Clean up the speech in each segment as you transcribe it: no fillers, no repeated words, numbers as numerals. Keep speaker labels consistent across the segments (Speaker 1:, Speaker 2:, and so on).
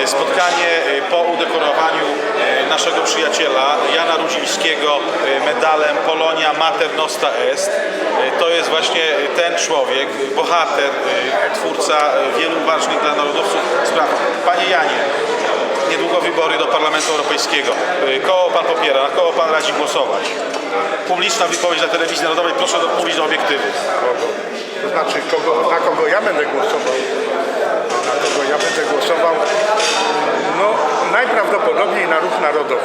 Speaker 1: spotkanie po udekorowaniu naszego przyjaciela Jana Rudzińskiego medalem Polonia Mater Nostra Est. To jest właśnie ten człowiek, bohater, twórca wielu ważnych dla narodowców spraw. Panie Janie, niedługo wybory do Parlamentu Europejskiego. Koło pan popiera, na koło pan radzi głosować? Publiczna wypowiedź na telewizji narodowej, proszę mówić do obiektywu.
Speaker 2: To znaczy, na kogo ja będę głosował? Na kogo ja będę głosował? No, najprawdopodobniej na Ruch Narodowy.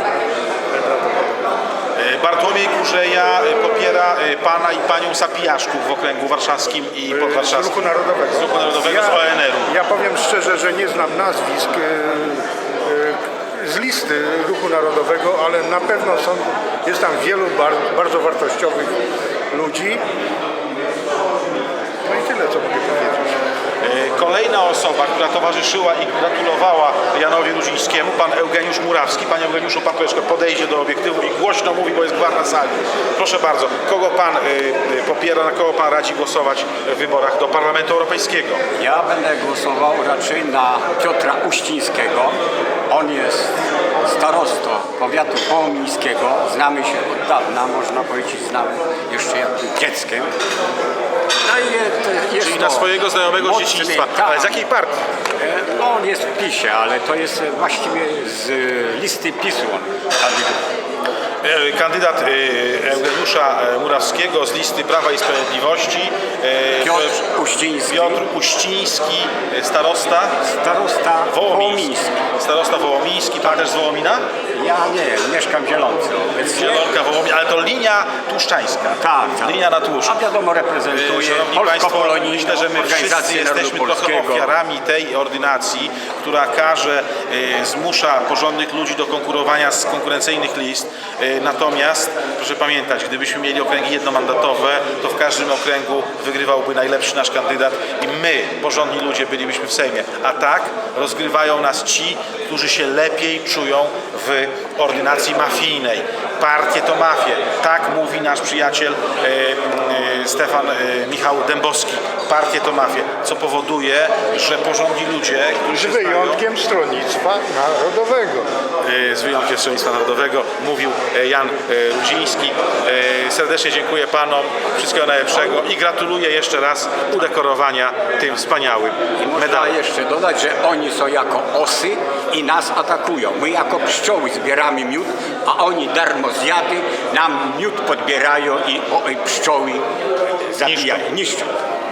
Speaker 1: Bartłomiej Kurzeja popiera pana i panią Sapijaszków w okręgu warszawskim i podwarszawskim.
Speaker 2: Z Ruchu Narodowego.
Speaker 1: Z Ruchu Narodowego, z ONR-u.
Speaker 2: Ja powiem szczerze, że nie znam nazwisk z listy Ruchu Narodowego, ale na pewno jest tam wielu bardzo wartościowych ludzi. No i tyle, co mogę powiedzieć.
Speaker 1: Kolejna osoba, która towarzyszyła i gratulowała Janowi Rudzińskiemu, pan Eugeniusz Murawski. Panie Eugeniuszu, pan troszeczkę podejdzie do obiektywu i głośno mówi, bo jest gwar na sali. Proszę bardzo, kogo pan popiera, na kogo pan radzi głosować w wyborach do Parlamentu Europejskiego?
Speaker 3: Ja będę głosował raczej na Piotra Uścińskiego. On jest starostą powiatu połomińskiego. Znamy się od dawna, można powiedzieć, znamy jeszcze jak był dzieckiem. No i jest
Speaker 1: Czyli na swojego znajomego z dzieciństwa.
Speaker 3: Tak.
Speaker 1: Ale z jakiej partii?
Speaker 3: No on jest w PiS-ie, ale to jest właściwie z listy PiS-u on kandyduje.
Speaker 1: Kandydat Eugeniusza Murawskiego z listy Prawa i Sprawiedliwości.
Speaker 3: Piotr Uściński.
Speaker 1: Piotr Uściński, starosta.
Speaker 3: Starosta Wołomiński.
Speaker 1: Starosta Wołomiński, pan też z Wołomina?
Speaker 3: Ja nie, mieszkam w Zielonce.
Speaker 1: Zielonka, Wołomin, ale to linia tłuszczańska.
Speaker 3: Tak, tak.
Speaker 1: Linia na tłuszcz.
Speaker 3: A wiadomo, reprezentuje
Speaker 1: Szanowni Państwo,
Speaker 3: polsko-polonijną
Speaker 1: myślę, że my wszyscy
Speaker 3: organizację narodu
Speaker 1: jesteśmy trochę
Speaker 3: polskiego.
Speaker 1: ofiarami tej ordynacji, która zmusza porządnych ludzi do konkurowania z konkurencyjnych list. Natomiast proszę pamiętać, gdybyśmy mieli okręgi jednomandatowe, to w każdym okręgu wygrywałby najlepszy nasz kandydat i my, porządni ludzie, bylibyśmy w Sejmie. A tak rozgrywają nas ci, którzy się lepiej czują w ordynacji mafijnej. Partie to mafie. Tak mówi nasz przyjaciel Michał Dębowski. Partie to mafie, co powoduje, że porządni ludzie, którzy się
Speaker 2: Z wyjątkiem Stronnictwa Narodowego.
Speaker 1: z wyjątkiem Stronnictwa Narodowego, mówił Jan Rudziński. Serdecznie dziękuję panom, wszystkiego najlepszego i gratuluję jeszcze raz udekorowania tym wspaniałym
Speaker 3: Można
Speaker 1: medalem.
Speaker 3: jeszcze dodać, że oni są jako osy i nas atakują. My jako pszczoły zbieramy miód, a oni darmo zjady nam miód podbierają i pszczoły zabijają, niszczą.